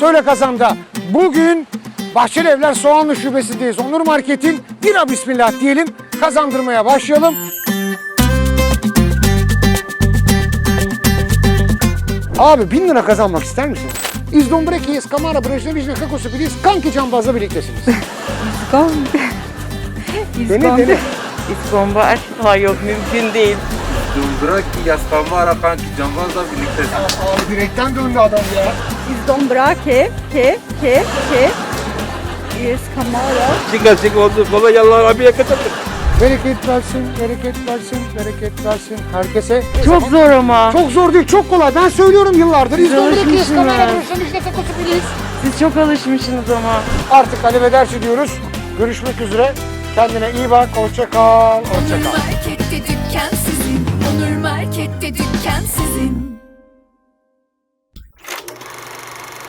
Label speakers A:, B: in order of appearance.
A: Söyle Kazan'da. Bugün Bahçeli Evler Soğanlı Şubesi'ndeyiz. Onur Market'in bira bismillah diyelim. Kazandırmaya başlayalım. Abi 1000 lira kazanmak ister misin? İzdombreki, Iskamara, Brejnevicne, Kakosu Biliz, Kanki Cambaz'la birliktesiniz. Dene.
B: İskombar. Hayır yok mümkün değil.
C: Dumbraki, Yaskamara, Kanki Cambaz'la birliktesin.
A: Abi direkten döndü adam ya.
D: İzdombra, Iskamara.
C: Çık oldu. Baba yallah abiye katıldık.
A: Bereket versin, bereket versin, bereket versin herkese.
B: Çok zor ama.
A: Çok zor değil, çok kolay. Ben söylüyorum yıllardır. İzdombreki,
B: alışmışsınız.
A: Iskamara, Brejnevicne, Kakosu Biliz.
B: Siz çok alışmışsınız ama.
A: Artık alevederci diyoruz. Görüşmek üzere. Kendine iyi bak. Hoşça kal. Hoşça
E: Onur
A: kal.
E: Market'te dükkan sizin. Onur Market'te dükkan sizin.